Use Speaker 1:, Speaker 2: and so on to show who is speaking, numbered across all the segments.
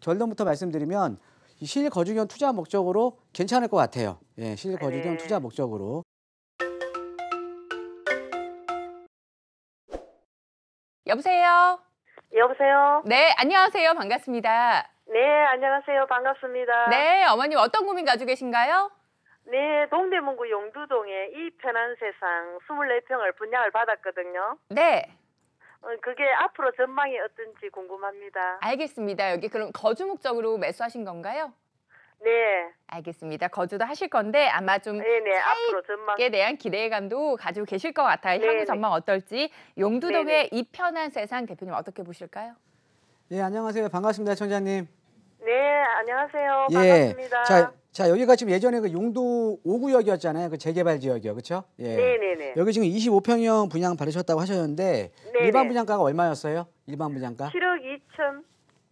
Speaker 1: 결론부터 말씀드리면 이 실거주경 투자 목적으로 괜찮을 것 같아요. 예, 실거주경
Speaker 2: 네.
Speaker 1: 투자 목적으로.
Speaker 3: 여보세요?
Speaker 2: 여보세요?
Speaker 3: 네, 안녕하세요. 반갑습니다.
Speaker 2: 네, 안녕하세요. 반갑습니다.
Speaker 3: 네, 어머님 어떤 고민 가지고 계신가요?
Speaker 2: 네, 동대문구 용두동에 이 편한 세상 24평을 분양을 받았거든요.
Speaker 3: 네,
Speaker 2: 그게 앞으로 전망이 어떤지 궁금합니다.
Speaker 3: 알겠습니다. 여기 그럼 거주 목적으로 매수하신 건가요?
Speaker 2: 네,
Speaker 3: 알겠습니다. 거주도 하실 건데 아마 좀
Speaker 2: 네네, 앞으로 전망.
Speaker 3: 차익에 대한 기대감도 가지고 계실 것 같아요. 향후
Speaker 2: 네네.
Speaker 3: 전망 어떨지. 용두동의
Speaker 2: 네네.
Speaker 3: 이 편한 세상 대표님 어떻게 보실까요?
Speaker 1: 예, 안녕하세요. 반갑습니다, 청자님.
Speaker 2: 네, 안녕하세요.
Speaker 1: 예.
Speaker 2: 반갑습니다.
Speaker 1: 자, 여기가 지금 예전에 그 용도 5구역이었잖아요. 그 재개발 지역이요. 그렇죠? 예.
Speaker 2: 네네네.
Speaker 1: 여기 지금 25평형 분양 받으셨다고 하셨는데
Speaker 2: 네네.
Speaker 1: 일반 분양가가 얼마였어요? 일반 분양가?
Speaker 2: 7억 2천.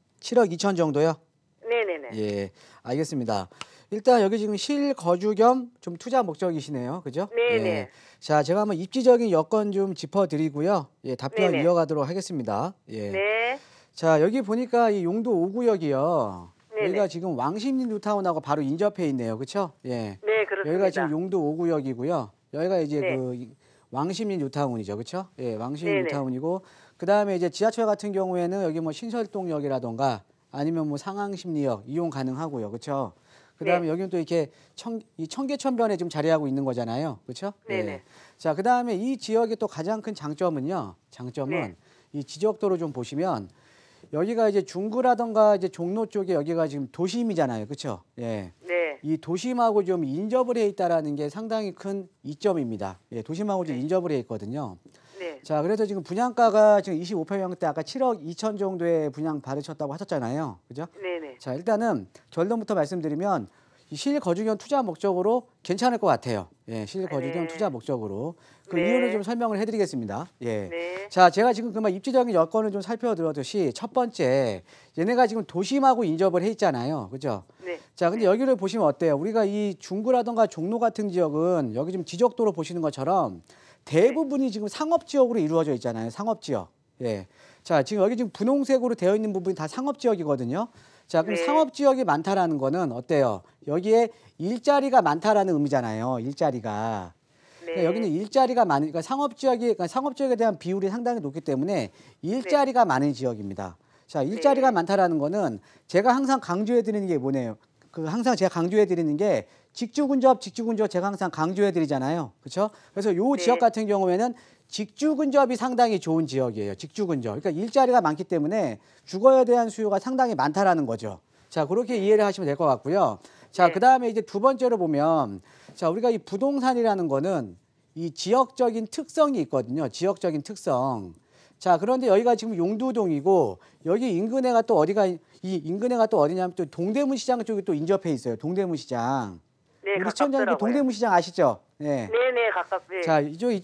Speaker 1: 7억 2천 정도요?
Speaker 2: 네네네.
Speaker 1: 예. 알겠습니다. 일단 여기 지금 실거주 겸 좀 투자 목적이시네요. 그죠?
Speaker 2: 네네.
Speaker 1: 예. 자, 제가 한번 입지적인 여건 좀 짚어드리고요. 예, 답변
Speaker 2: 네네.
Speaker 1: 이어가도록 하겠습니다. 예.
Speaker 2: 네.
Speaker 1: 자, 여기 보니까 이 용도 5구역이요.
Speaker 2: 네네.
Speaker 1: 여기가 지금 왕십리 뉴타운하고 바로 인접해 있네요. 그렇죠? 예.
Speaker 2: 네, 그렇습니다.
Speaker 1: 여기가 지금 용도 5구역이고요. 여기가 이제
Speaker 2: 네.
Speaker 1: 그 왕십리 뉴타운이죠. 그렇죠? 예, 왕십리
Speaker 2: 네네.
Speaker 1: 뉴타운이고 그다음에 이제 지하철 같은 경우에는 여기 뭐 신설동역이라던가 아니면 뭐 상항십리역 이용 가능하고요. 그렇죠? 그다음에
Speaker 2: 네.
Speaker 1: 여기는 또 이렇게 이 청계천변에 지금 자리하고 있는 거잖아요. 그렇죠?
Speaker 2: 네네.
Speaker 1: 예. 자, 그다음에 이 지역의 또 가장 큰 장점은요. 장점은
Speaker 2: 네.
Speaker 1: 이 지적도로 좀 보시면 여기가 이제 중구라던가 이제 종로 쪽에 여기가 지금 도심이잖아요. 그렇죠? 예.
Speaker 2: 네.
Speaker 1: 이 도심하고 좀 인접을 해 있다라는 게 상당히 큰 이점입니다. 예, 도심하고 좀
Speaker 2: 네.
Speaker 1: 인접을 해 있거든요.
Speaker 2: 네.
Speaker 1: 자, 그래서 지금 분양가가 지금 25평형대 아까 7억 2천 정도의 분양 받으셨다고 하셨잖아요. 그죠?
Speaker 2: 네네.
Speaker 1: 자, 일단은 결론부터 말씀드리면 이 실거주경 투자 목적으로 괜찮을 것 같아요. 예, 실거주경
Speaker 2: 네.
Speaker 1: 투자 목적으로. 그
Speaker 2: 네.
Speaker 1: 이유를 좀 설명을 해드리겠습니다. 예.
Speaker 2: 네.
Speaker 1: 자, 제가 지금 그만 입지적인 여건을 좀 살펴드렸듯이 첫 번째, 얘네가 지금 도심하고 인접을 해 있잖아요. 그죠?
Speaker 2: 네.
Speaker 1: 자, 근데 여기를 보시면 어때요? 우리가 이 중구라던가 종로 같은 지역은 여기 지금 지적도로 보시는 것처럼 대부분이 지금 상업지역으로 이루어져 있잖아요. 상업지역. 예. 자, 지금 여기 지금 분홍색으로 되어 있는 부분이 다 상업지역이거든요. 자, 그럼
Speaker 2: 네.
Speaker 1: 상업지역이 많다라는 거는 어때요? 여기에 일자리가 많다라는 의미잖아요. 일자리가. 그러니까
Speaker 2: 네.
Speaker 1: 여기는 일자리가 많으니까 그러니까 상업지역에 대한 비율이 상당히 높기 때문에 일자리가 많은 지역입니다. 자, 일자리가
Speaker 2: 네.
Speaker 1: 많다라는 거는 제가 항상 강조해 드리는 게 뭐네요. 항상 제가 강조해 드리는 게 직주근접 제가 항상 강조해 드리잖아요. 그렇죠? 그래서 요
Speaker 2: 네.
Speaker 1: 지역 같은 경우에는 직주근접이 상당히 좋은 지역이에요. 직주근접. 그러니까 일자리가 많기 때문에 주거에 대한 수요가 상당히 많다라는 거죠. 자, 그렇게 이해를 하시면 될 것 같고요. 자,
Speaker 2: 네.
Speaker 1: 그다음에 이제 두 번째로 보면 자, 우리가 이 부동산이라는 거는 이 지역적인 특성이 있거든요. 지역적인 특성. 자, 그런데 여기가 지금 용두동이고 여기 인근에가 또 어디가 이 인근에가 또 어디냐면 또 동대문 시장 쪽이 또 인접해 있어요. 동대문 시장.
Speaker 2: 네,
Speaker 1: 우리 시청자님
Speaker 2: 가깝더라고요.
Speaker 1: 동대문 시장 아시죠? 네.
Speaker 2: 네네, 가깝네.
Speaker 1: 자,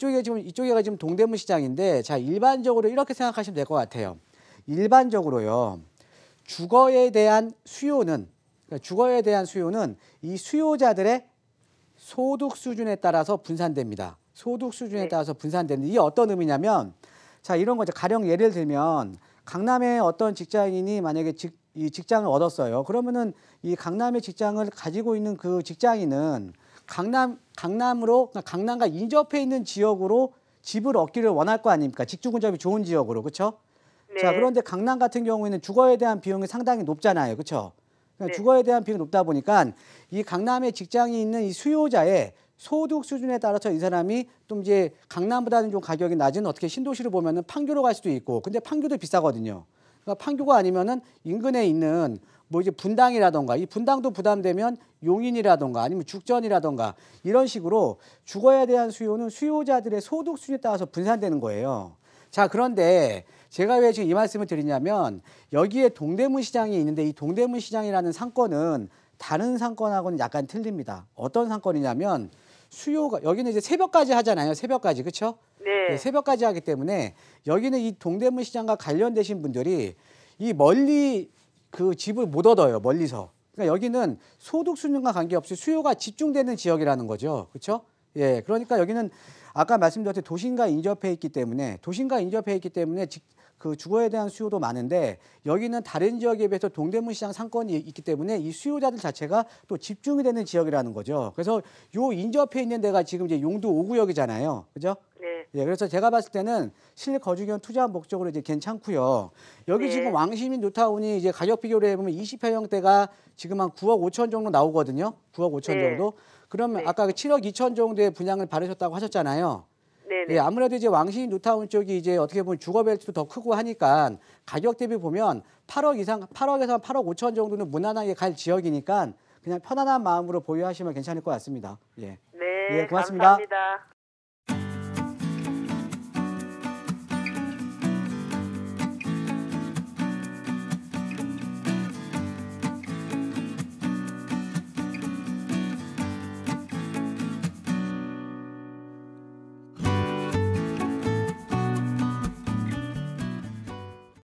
Speaker 1: 이쪽에가 지금 동대문 시장인데 자, 일반적으로 이렇게 생각하시면 될 것 같아요. 일반적으로요. 주거에 대한 수요는 이 수요자들의 소득 수준에 따라서 분산됩니다. 소득 수준에
Speaker 2: 네.
Speaker 1: 따라서 분산되는데 이게 어떤 의미냐면 자, 이런 거죠. 가령 예를 들면 강남의 어떤 직장인이 만약에 이 직장을 얻었어요. 그러면은 이 강남의 직장을 가지고 있는 그 직장인은 강남과 인접해 있는 지역으로 집을 얻기를 원할 거 아닙니까? 직주 근접이 좋은 지역으로. 그렇죠?
Speaker 2: 네.
Speaker 1: 자, 그런데 강남 같은 경우에는 주거에 대한 비용이 상당히 높잖아요. 그렇죠?
Speaker 2: 네.
Speaker 1: 주거에 대한 비용이 높다 보니까 이 강남에 직장이 있는 이 수요자의 소득 수준에 따라서 이 사람이 또 이제 강남보다는 좀 가격이 낮은 어떻게 신도시를 보면은 판교로 갈 수도 있고 근데 판교도 비싸거든요. 그러니까 판교가 아니면은 인근에 있는 뭐 이제 분당이라던가 이 분당도 부담되면 용인이라던가 아니면 죽전이라던가 이런 식으로 주거에 대한 수요는 수요자들의 소득 수준에 따라서 분산되는 거예요. 자, 그런데 제가 왜 지금 이 말씀을 드리냐면 여기에 동대문 시장이 있는데 이 동대문 시장이라는 상권은 다른 상권하고는 약간 틀립니다. 어떤 상권이냐면 수요가 여기는 이제 새벽까지 하잖아요. 새벽까지. 그렇죠?
Speaker 2: 네.
Speaker 1: 네, 새벽까지 하기 때문에 여기는 이 동대문 시장과 관련되신 분들이 이 멀리 그 집을 못 얻어요. 멀리서. 그러니까 여기는 소득 수준과 관계없이 수요가 집중되는 지역이라는 거죠. 그렇죠? 예. 그러니까 여기는 아까 말씀드렸듯이 도심과 인접해 있기 때문에 그 주거에 대한 수요도 많은데 여기는 다른 지역에 비해서 동대문 시장 상권이 있기 때문에 이 수요자들 자체가 또 집중이 되는 지역이라는 거죠. 그래서 요 인접해 있는 데가 지금 이제 용두 5구역이잖아요. 그죠?
Speaker 2: 네.
Speaker 1: 예, 그래서 제가 봤을 때는 실내 거주경 투자 목적으로 이제 괜찮고요. 여기
Speaker 2: 네.
Speaker 1: 지금 왕시민 뉴타운이 이제 가격 비교를 해보면 20평형대가 지금 한 9억 5천 정도 나오거든요. 9억 5천
Speaker 2: 네.
Speaker 1: 정도. 그러면
Speaker 2: 네.
Speaker 1: 아까 그 7억 2천 정도의 분양을 받으셨다고 하셨잖아요.
Speaker 2: 네네.
Speaker 1: 예, 아무래도 이제 왕시민 뉴타운 쪽이 이제 어떻게 보면 주거 벨트도 더 크고 하니까 가격 대비 보면 8억 이상, 8억에서 8억 5천 정도는 무난하게 갈 지역이니까 그냥 편안한 마음으로 보유하시면 괜찮을 것 같습니다. 예.
Speaker 2: 네.
Speaker 1: 예, 고맙습니다.
Speaker 2: 감사합니다.